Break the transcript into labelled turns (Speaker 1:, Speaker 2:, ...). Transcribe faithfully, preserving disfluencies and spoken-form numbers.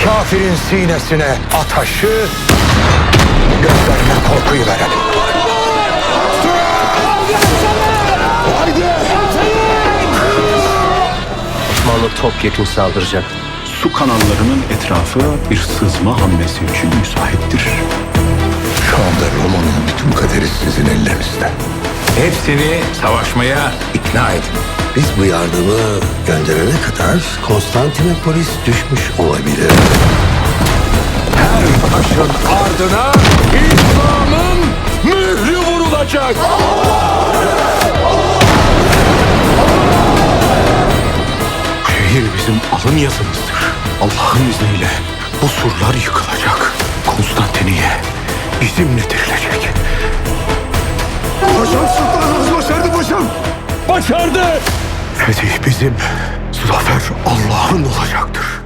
Speaker 1: Kafirin sinesine ataşı, gözlerine korkuyu verelim.
Speaker 2: Osmanlı topyekun saldıracak.
Speaker 3: Su kanallarının etrafı bir sızma hamlesi için müsaittir.
Speaker 1: Şu anda Roma'nın bütün kaderi sizin ellerinizde. Hepsini savaşmaya ikna edin.
Speaker 4: Biz bu yardımı gönderene kadar Konstantinopolis düşmüş olabilir.
Speaker 1: Her taşın ardına İslam'ın mührü vurulacak.
Speaker 3: Şehir bizim alın yazımızdır. Allah'ın izniyle bu surlar yıkılacak. Konstantiniye bizimledirilecek.
Speaker 1: Paşam sultanımız başardı paşam. Başardı.
Speaker 3: Fetih bizim, zafer Allah'ın olacaktır.